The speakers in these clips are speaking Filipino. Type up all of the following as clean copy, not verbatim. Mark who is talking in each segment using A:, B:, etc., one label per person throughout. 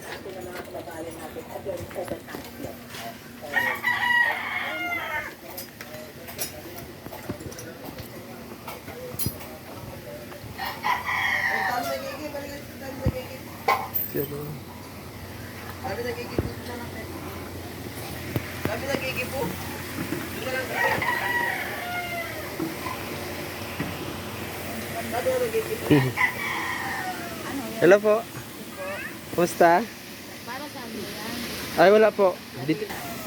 A: Hello po. Kumusta?
B: Para sa amin yan.
A: Ay, wala po. Dito.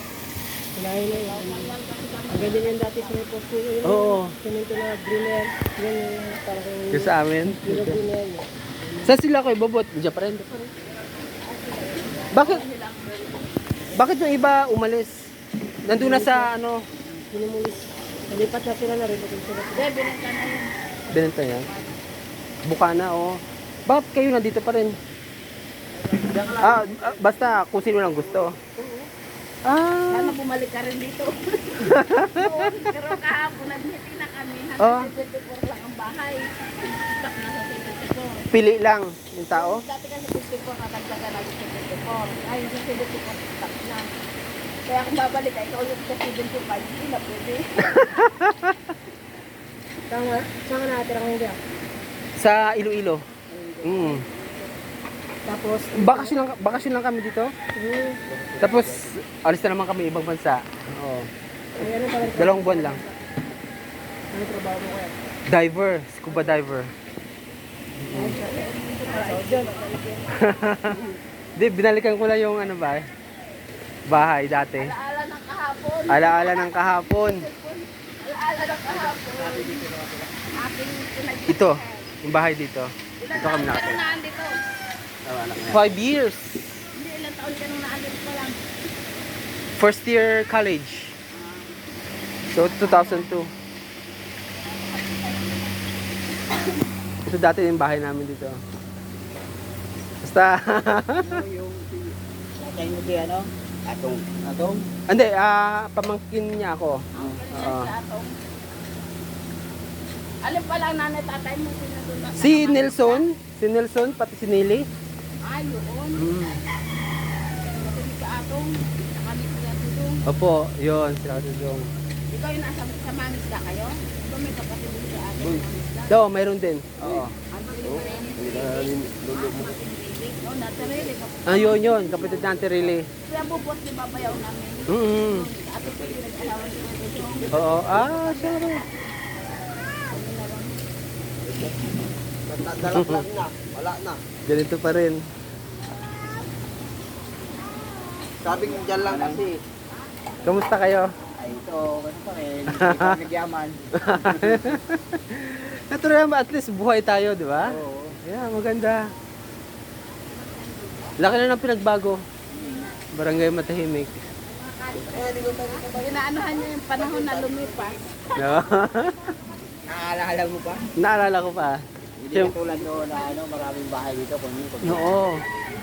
B: Ang ganda niyan dati sa may posto yun.
A: Oo.
B: Semento na green yan. Yan yung parang
A: Yung sa amin.
B: yung green yan.
A: Saan sila kayo bobot? Diyan pa rin. Bakit? Bakit yung iba umalis? Nandun na sa ano?
B: Pinimulis. Nalipat na sila na rin. Hindi, binenta na yun.
A: Binenta yan? Bukana, oh. Bakit kayo nandito pa rin? Basta kung sino lang gusto.
B: Sana bumalik ka rin dito. Noon, pero kahapon nag-meeting na kami.
A: Oh.
B: 174 lang ang bahay. Stock na sa 74.
A: Pili lang yung tao?
B: Dati kasi 54 natagdagan na 74. Ayun sa 74 stock na. Kaya kung babalik ay ikaw yung sa 75, hindi na pwede. Saan ka nakatira ngayon dyan?
A: Sa Iloilo.
B: Tapos,
A: Bakasyon lang kami dito. Tapos, alis na naman kami ibang bansa. Oo.
B: ay ano pala?
A: 2 buwan lang.
B: Ano trabaho mo kaya?
A: Diver, scuba diver. Di, binalikan ko lang yung ano ba, bahay dati.
B: Alaala ng kahapon.
A: Alaala ng kahapon.
B: Alaala ng kahapon. Aking pinag-
A: Ito, yung bahay dito. Ito kami
B: Ilang taon ka
A: nakatira.
B: nung naandito?
A: 5 years.
B: Hindi, ilang taon ka nung naandito pa lang.
A: First year college. So, 2002. Ito dati yung bahay namin dito. Basta,
B: Yung tatay mo di ano? Atong. Atong?
A: hindi, pamangkin niya ako. Oo.
B: Alin pa lang nanay tatay mo sinadula?
A: Si Nelson, pati si Nelly.
B: Ay, yun.
A: Mm.
B: Kasi si Atong, kami sila tulong.
A: Opo, yun, sila katulong.
B: Ikaw yung nasa sa Mamisda kayo? Ikaw may kapatid mo si Ate ng Mamisda?
A: Oo, mayroon din. Oo.
B: Ano yung Oh, natarili ka.
A: Yun, kapatid natin really.
B: Kaya bubot ni babayaw namin. Ate ko yung nag-alawan si Ate Jong.
A: Oo, siya rin.
C: Dalaglag na, wala na.
A: Ganito pa rin.
C: Sabing dyan lang kasi.
A: Kamusta kayo?
C: Ay ito, ano pa rin, ito nagyaman.
A: Natural naman, at least buhay tayo, di ba?
C: Oo.
A: Yeah, maganda. Laki na ng pinagbago. Barangay Matahimik.
B: Inaanuhan niya yung panahon na lumipas.
A: No?
C: Naaalala mo pa?
A: Naalala ko pa.
C: Hindi katulad doon na ano, maraming bahay dito.
A: Oo.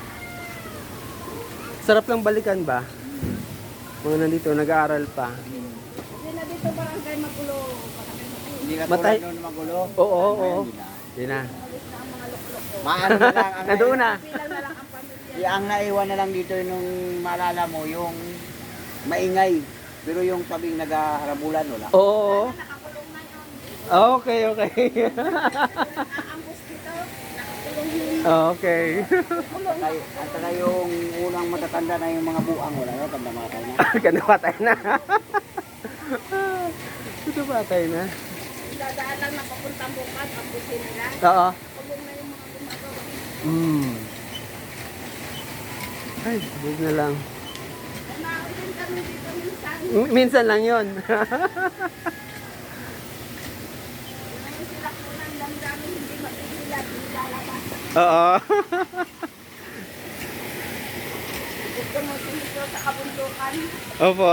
A: Sarap lang balikan ba? Mga nandito, nag-aaral pa.
B: Hindi na dito barangay magulo.
C: Hindi katulad
A: Matay-
C: doon na magulo.
A: Oo.
C: Hindi na.
A: Di na.
C: Maano na lang.
A: Nandoon na.
B: Bilang na lang ang pamilya.
C: Ang naiwan na lang dito nung maalala mo, yung maingay. Pero yung sabing nag-harabulan, wala.
A: Oo.
B: Nakakulong na yun.
A: Okay.
B: Naambos dito. Nakakulong yun.
A: Okay.
C: At saka yung unang matatanda na yung mga buang, wala na, tanda mga tayo na.
A: Ganda patay na. Ito patay na.
B: Dadaan lang na papuntang bukas. Ambusin nila.
A: Oo.
B: Kulong na yung mga gumagawa.
A: Ay, buog na lang.
B: Naulit kami dito minsan.
A: Minsan lang yon.
B: Ngayon sila po ng damdamin hindi mapigilan. Hindi lalabas.
A: Oo.
B: Gusto mo sinito sa kabundukan.
A: Opo.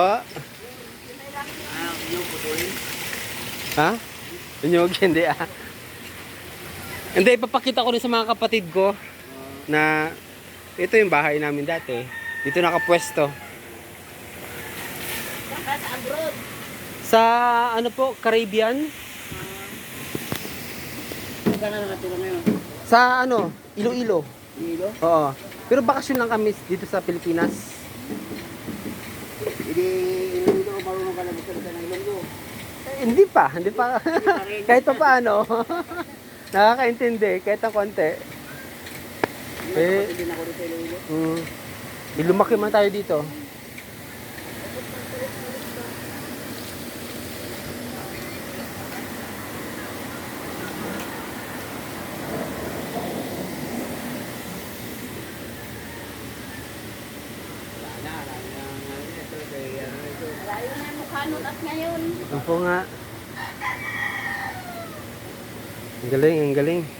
C: Yung putulin.
A: Ha? Inyog, hindi Hindi, ipapakita ko rin sa mga kapatid ko na ito yung bahay namin dati. Dito nakapwesto.
B: Saka sa abroad.
A: Sa ano po, Caribbean?
C: Saan ka na nakatira ngayon?
A: Sa ano, Iloilo.
C: Dilo?
A: Oo. Pero bakasyon lang kami dito sa Pilipinas.
C: Hindi, Ilonggo, marunong ka na magsalita ng Ilonggo.
A: Hindi pa. Kahit pa paano. Nakakaintindi, kahit ang konti.
C: Kapatid din ako rin sa Ilonggo.
A: Lumaki man tayo dito.
B: Malayo na yung mukha nun at ngayon.
A: Opo nga. Ang galing, ang galing.